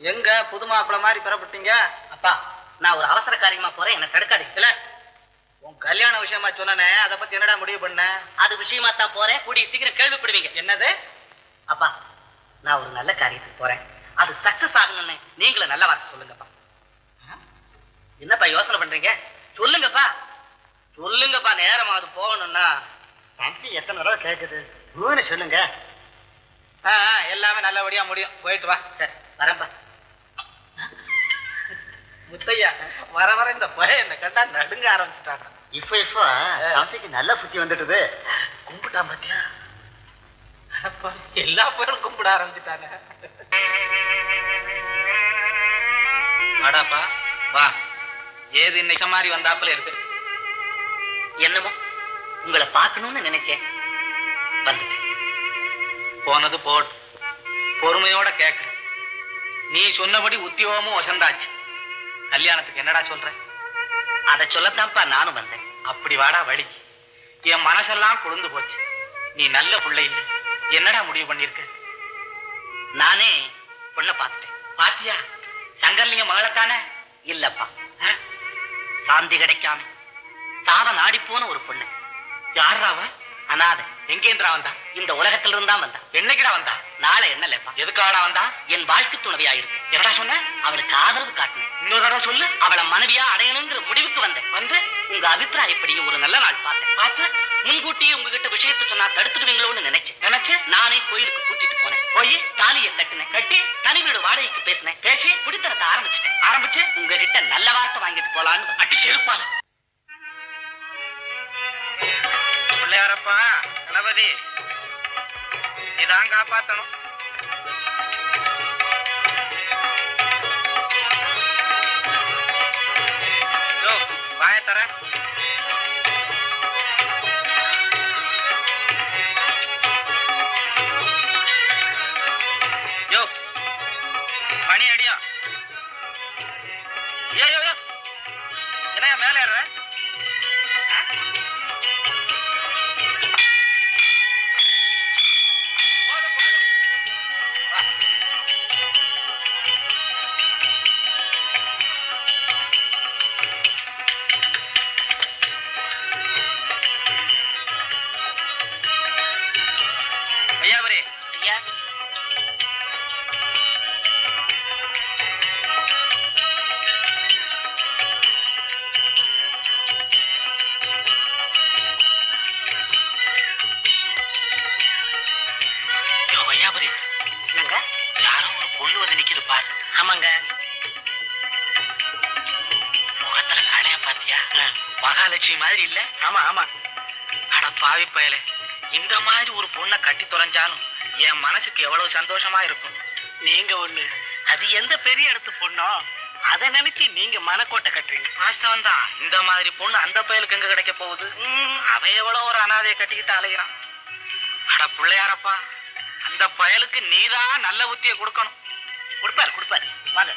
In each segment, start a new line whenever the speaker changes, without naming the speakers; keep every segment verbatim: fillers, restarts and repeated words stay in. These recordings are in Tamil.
எங்க புது மாப்பிள்ள மாதிரி பெறப்பட்டீங்க?
அப்பா நான் ஒரு அவசர காரியமா போறேன், என்ன தடுக்காதீங்க.
இல்ல உன் கல்யாண விஷயமா சொன்னனே, அதை பத்தி என்னடா முடிவு பண்ண?
அது விஷயமா தான் போறேன், கூடிய சீக்கிரம் கேள்விப்படுவீங்க.
என்னது?
அப்பா நான் ஒரு நல்ல காரியத்துக்கு போறேன், அது சக்சஸ் ஆகணும்னு நீங்களும் நல்ல வார்த்தை சொல்லுங்கப்பா. என்னப்பா யோசனை பண்றீங்க? சொல்லுங்கப்பா சொல்லுங்கப்பா. நேரமா அது போகணும்னா
தம்பி எத்தனை தடவை கேட்குது, ஊன்னு சொல்லுங்க.
எல்லாமே நல்லபடியா முடியும், போயிட்டு வா.
சரி வரேன்ப்பா.
முத்தையா வர வர இந்த பையன் என்ன கண்டா நடுங்க ஆரம்பிச்சுட்டாங்க.
இப்போ இப்போ தம்பிக்கு நல்ல புத்தி வந்துட்டுது.
கும்பிட்டா பாத்தியா? எல்லா பேரும் கும்பிட ஆரம்பிச்சுட்டாங்க. வாடாப்பா வா. ஏது இன்னைக்கு மாதிரி வந்தாப்புல இருக்கு.
என்னமோ உங்களை பார்க்கணும்னு நினைச்சேன், வந்துட்டேன்.
போனது போட்டு பொறுமையோட கேட்க. நீ சொன்னபடி உத்தியோகமும் வசந்தாச்சு. கல்யாணத்துக்கு என்னடா சொல்ற?
அதை சொல்லத்தான்ப்பா நானும் வந்தேன்.
அப்படி வாடா வழி. என் மனசெல்லாம் குளிர்ந்து போச்சு. நீ நல்ல பிள்ளை இல்லை, என்னடா முடிவு பண்ணிருக்க?
நானே பொண்ணை பார்த்துட்டேன்.
பாத்தியா? சங்கர்லிங்க மகளத்தானே?
இல்லப்பா, சாந்தி கிடைக்காம சாவ நாடி போன ஒரு பொண்ணு.
யாராவ?
அனாதை.
எங்கேந்திரா வந்தா?
இந்த உலகத்துல இருந்தா வந்தா.
என்னைக்குடா வந்தா?
நாளை என்னல்லப்பா.
எதுக்காடா வந்தா?
என் வாழ்க்கை துணைவியா இருக்கு.
என்னடா சொன்ன?
அவளுக்கு ஆதரவு காட்டணும்.
இன்னொரு தடவை சொல்லு.
அவளை மனைவியா அடையணுங்கிற முடிவுக்கு வந்தேன். வந்து உங்க அபிப்பிராயப்படி ஒரு நல்ல நாள் பார்த்தேன். பார்த்து முன்கூட்டியே உங்ககிட்ட விஷயத்தை சொன்னா தடுத்துடுவீங்களோன்னு நினைச்சேன்.
நினைச்சேன்.
நானே கோயிலுக்கு கூட்டிட்டு போனேன்.
போய்
தாலியை கட்டினேன்.
கட்டி
தனி வீடு வாடகைக்கு பேசினேன்.
பேசி
குடித்தனத்தை ஆரம்பிச்சுட்டேன்.
ஆரம்பிச்சு
உங்ககிட்ட நல்ல வார்த்தை வாங்கிட்டு போலான்னு
அடி செருப்பான. பிள்ளையாரப்பா கணபதி, நீதான் காப்பாத்தணும். வாய தர. யோ மணி அடியா. யோ யோ யோ என்ன மேல ஏற? ஐயாவரே
ஐயா,
ஐயாபுரி
என்னங்க?
யாரோ ஒரு பொண்ணு வந்து நிக்குது பாரு.
ஆமாங்க.
முகத்துல கடையா பாத்தியா? மகாலட்சுமி மாதிரி இல்ல? ஆமா ஆமா. அட பாவி பயலே, இந்த மாதிரி ஒரு பொண்ணை கட்டி தொலைஞ்சாலும் என் மனசுக்கு எவ்வளவு சந்தோஷமா இருக்கும்.
நீங்க ஒண்ணு, அது எந்த பெரிய இடத்து பொண்ணோ அதை நினைச்சு நீங்க மனக்கோட்டை கட்டுறீங்க.
வாஸ்தவம் தான். இந்த மாதிரி பொண்ணு அந்த பயலுக்கு எங்க கிடைக்க போகுது? அவன் எவ்வளவு ஒரு அனாதையை கட்டிக்கிட்டு அலைகிறான். அட பிள்ளையாரப்பா, அந்த பயலுக்கு நீதான் நல்ல புத்தியை கொடுக்கணும்.
கொடுப்பாரு கொடுப்பாரு. வாங்க.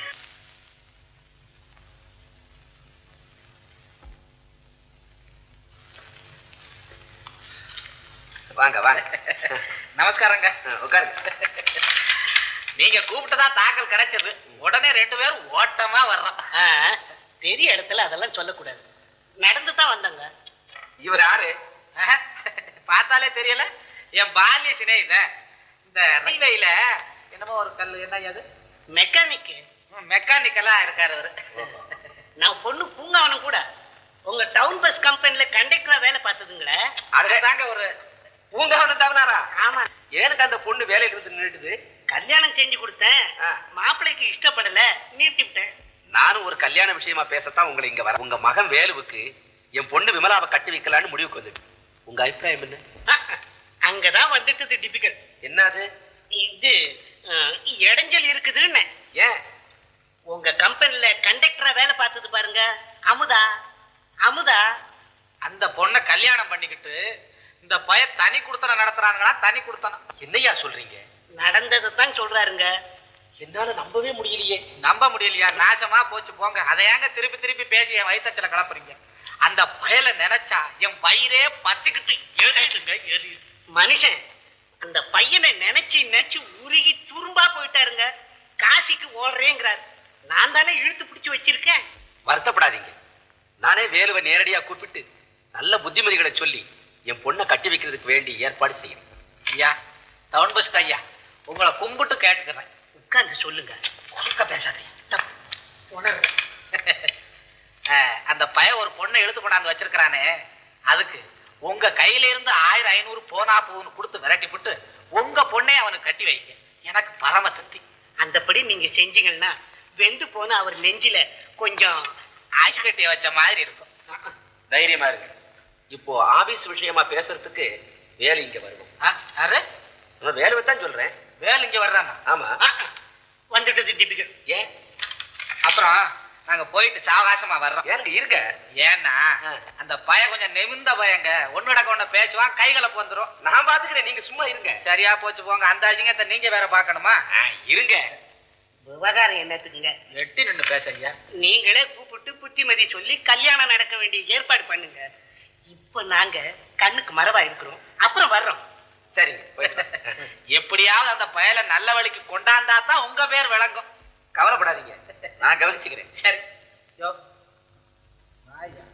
வாங்க வாங்க. நமஸ்காரங்க. உட்காருங்க. நீங்க கூப்பிட்டதா தாக்கல் கிடைச்சது. உடனே ரெண்டு பேரும் ஓட்டமா வர்றோம்.
பெரிய இடத்துல அதெல்லாம் சொல்லக்கூடாது. நடந்து தான் வந்தாங்க.
இவர் யாரு? பார்த்தாலே தெரியல. என் பால்ய சிநேகித. இந்த ரயில்வேல என்னமோ ஒரு கல், என்ன அது?
மெக்கானிக்.
மெக்கானிக்கலா இருக்காரு அவரு.
நான் பொண்ணு பூங்காவனும் கூட உங்க டவுன் பஸ் கம்பெனில கண்டக்டரா வேலை பார்த்ததுங்களே.
அதுதாங்க ஒரு பூங்காவனம் தவறாரா?
ஆமா.
எனக்கு அந்த பொண்ணு வேலையில இருந்து நின்றுடுது.
கல்யாணம் செஞ்சு கொடுத்தேன், மாப்பிள்ளைக்கு இஷ்டப்படல, நிறுத்தி விட்டேன்.
நானும் ஒரு கல்யாண விஷயமா பேசத்தான் உங்களை இங்க வர. உங்க மகன் வேலுவுக்கு என் பொண்ணு விமலாவை கட்டி வைக்கலான்னு முடிவுக்கு வந்துட்டு. உங்க அபிப்பிராயம் என்ன?
அங்கதான் வந்துட்டு டிபிக்கல்.
என்னது
இது? இடைஞ்சல் இருக்குதுன்னு.
ஏன்?
உங்க கம்பெனில கண்டக்டரா வேலை பார்த்தது பாருங்க, அமுதா. அமுதா
அந்த பொண்ணை கல்யாணம் பண்ணிக்கிட்டு இந்த பய தனி குடுத்தனம் நடத்துறாங்களா? தனி குடுத்தனம் என்னையா சொல்றீங்க?
நடந்ததை தான் சொல்றாருங்க.
என்னால நம்பவே முடியலையே. நம்ப முடியலையா? நாசமா போச்சு போங்க. அதை ஏங்க திருப்பி திருப்பி பேசி என் வயிற்றுல கலப்புறீங்க? அந்த பயலை நினைச்சா என் வயிறே பத்திக்கிட்டு எரியுதுங்க, எரியுது.
மனுஷன் அந்த பையனை நினைச்சு நினைச்சு உருகி துரும்பா போயிட்டாருங்க. காசிக்கு
ஓடுறேங்கிறார். நான் தானே இழுத்து பிடிச்சு வச்சிருக்கேன்.
வருத்தப்படாதீங்க. நானே வேலுவை நேரடியா கூப்பிட்டு நல்ல புத்திமதிகளை சொல்லி என் பொண்ணை கட்டி வைக்கிறதுக்கு வேண்டி ஏற்பாடு செய்யறேன்.
ஐயா டவுன் பஸ் ஐயா, உங்களை கும்பிட்டு கேட்டுக்கிறேன்.
உட்கார்ந்து சொல்லுங்க.
குறுக்க பேசாதீங்க. உணர்றேன். அந்த பையன் ஒரு பொண்ணை இழுத்து கொண்டாந்து வச்சிருக்கிறானே, அதுக்கு உங்க கையில இருந்து ஆயிரம் ஐநூறு போனா போன்னு கொடுத்து விரட்டி விட்டு உங்க பொண்ணை அவனுக்கு கட்டி வைக்க எனக்கு பரம திருப்தி.
அந்தபடி நீங்க செஞ்சீங்கன்னா வெந்து போன அவர் நெஞ்சில கொஞ்சம்
ஆய்ச்சி கட்டிய வச்ச மாதிரி இருக்கும்.
தைரியமா இருக்கு. இப்போ ஆபீஸ் விஷயமா பேசுறதுக்கு வேலு இங்க வருவோம்.
யாரு?
நான் வேலுவை தான் சொல்றேன்.
வேலு இங்க வர்றானா?
ஆமா.
வந்துட்டது டிபிகல்.
ஏன் அப்புறம் நாங்க போயிட்டு சாவகாசமா வர்றோம்.
ஏங்க இருங்க.
ஏன்னா அந்த பய கொஞ்சம் நெமிந்த பயங்க, ஒன்னுடக்க ஒண்ணு பேசுவான், கைகளை வந்துரும்.
நான் பாத்துக்கிறேன், நீங்க சும்மா இருங்க.
சரியா போச்சு போங்க. அந்த அசிங்கத்தை நீங்க வேற பாக்கணுமா?
இருங்க.
விவகாரம் என்னத்துக்குங்க?
எட்டி நின்று பேசுங்க.
நீங்களே கூப்பிட்டு புத்திமதி சொல்லி கல்யாணம் நடக்க வேண்டிய ஏற்பாடு பண்ணுங்க. இப்ப நாங்க கண்ணுக்கு மரவா இருக்கிறோம், அப்புறம் வர்றோம்.
சரிங்க.
எப்படியாவது அந்த பயலை நல்ல வழிக்கு கொண்டாந்தா தான் உங்க பேர் விளங்கும்.
கவலைப்படாதீங்க, நான் கவனிச்சுக்கிறேன்.
சரி யோ வாயா.